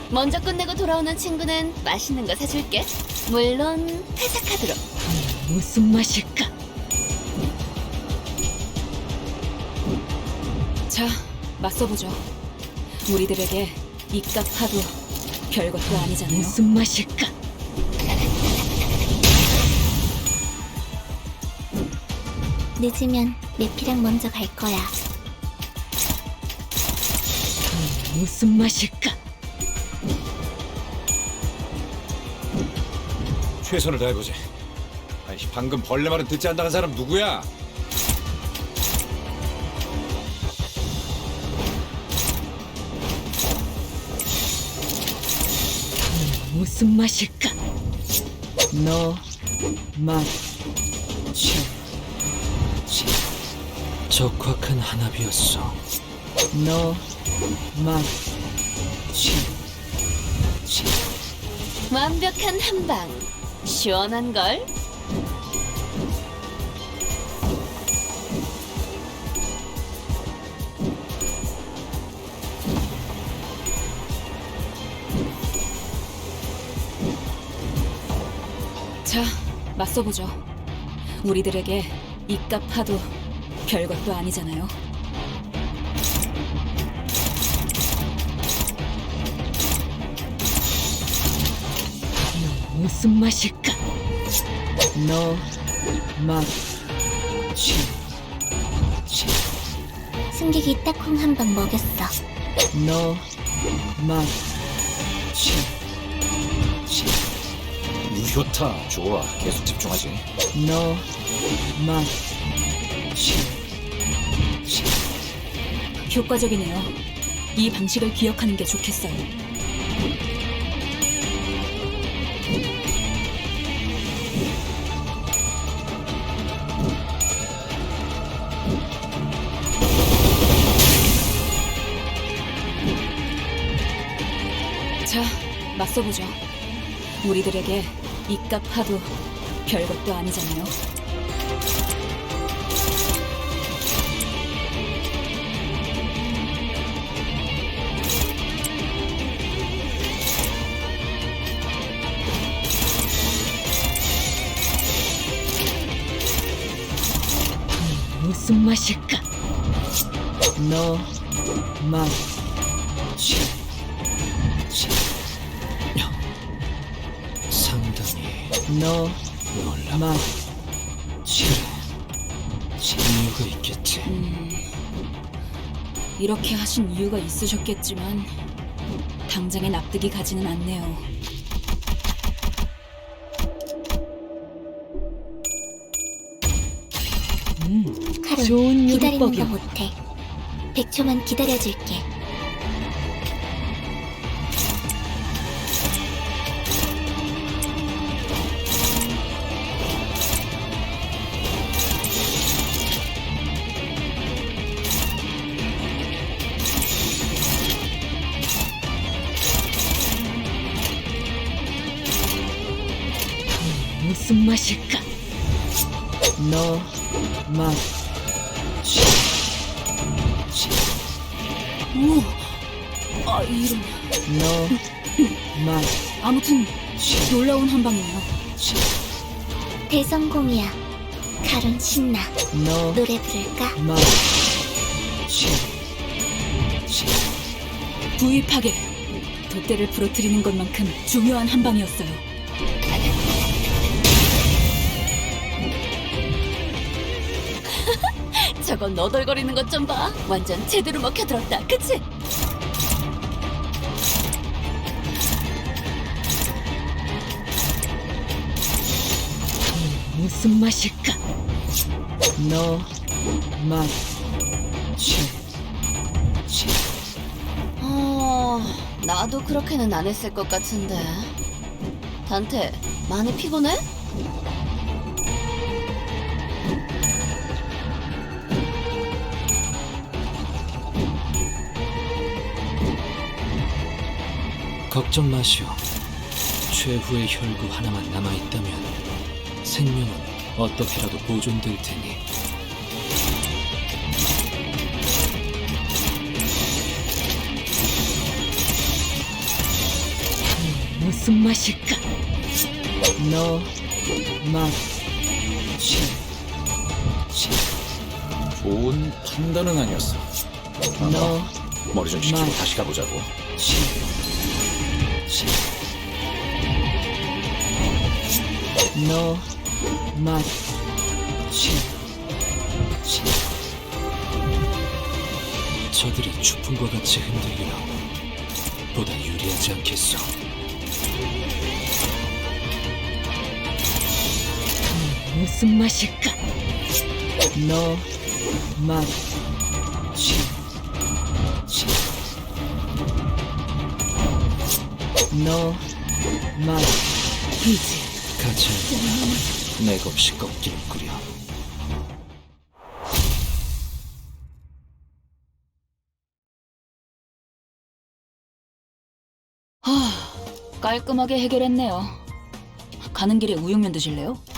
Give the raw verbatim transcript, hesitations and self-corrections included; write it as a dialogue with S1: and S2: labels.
S1: 먼저 끝내고 돌아오는 친구는 맛있는 거 사줄게. 물론 회사 카드로.
S2: 무슨 맛일까? 자, 맞서보죠. 우리들에게 이깟 파도 별것도 아니잖아요. 무슨 맛일까?
S3: 늦으면 내피랑 먼저 갈 거야.
S2: 무슨 맛일까?
S4: 최선을 다해보지. 아니, 방금 벌레 말은 듣지 않다는 사람 누구야?
S2: 무슨 맛일까? 너, 맛, 취, 취.
S5: 적확한 한압이었어.
S2: 너, 맛, 취, 취.
S1: 완벽한 한방. 시원한 걸.
S2: 자, 맞서보죠. 우리들에게 이깟 파도 별것도 아니잖아요. 너 무슨 맛일까? 너, 맛, 취, 취.
S3: 승객이 딱콩 한 방 먹였어.
S2: 너, 맛, 취, 취.
S4: 유효타 좋아. 계속 집중하지.
S2: 너, 맛, 취, 취. 효과적이네요. 이 방식을 기억하는 게 좋겠어요. 자, 맞서보죠. 우리들에게 이깟 파도 별것도 아니잖아요. 무슨 맛일까? 너, 맛, 취, 취.
S5: 상당히
S2: 너,
S5: 놀랍고
S2: 맛,
S5: 취. 이유가 있겠지.
S2: 음, 이렇게 하신 이유가 있으셨겠지만 당장에 납득이 가지는 않네요. 음,
S3: 카론,
S2: 좋은
S3: 기다리는 거
S2: 요리법이야.
S3: 못해. 백 초만 기다려줄게.
S2: 무슨 맛일까? 너, 맛, 취, 취. 오, 아 이런. 너, 맛, 아무튼 놀라운 한방이네요.
S3: 대성공이야. 카론 신나.
S2: 너,
S3: 노래 부를까?
S2: 맛, 취, 취. 구입하게. 돛대를 부러뜨리는 것만큼 중요한 한방이었어요.
S1: 저거 너덜거리는 것 좀 봐. 완전 제대로 먹혀들었다. 그치?
S2: 무슨 맛일까? 너, 맛, 취, 취.
S1: 어... 나도 그렇게는 안 했을 것 같은데. 단테, 많이 피곤해?
S5: 걱정 마시오. 최후의 혈구 하나만 남아있다면 생명은 어떻게라도 보존될 테니.
S2: 무슨 맛일까? 너, 맛, 취, 취.
S4: 좋은 판단은 아니었어.
S2: 너,
S4: 머리 좀 식히고
S2: 맛.
S4: 다시 가보자고.
S2: 취, 취. 너, 맛, 취, 취.
S5: 저들이 추풍과 같이 흔들리라 보다 유리하지 않겠소.
S2: 무슨 맛일까? 너, 맛, 취, 취. 너, 맛, 이제
S5: 가지 않는다. 맥없이 꺾이는 꾸려.
S1: 깔끔하게 해결했네요. 가는 길에 우육면 드실래요?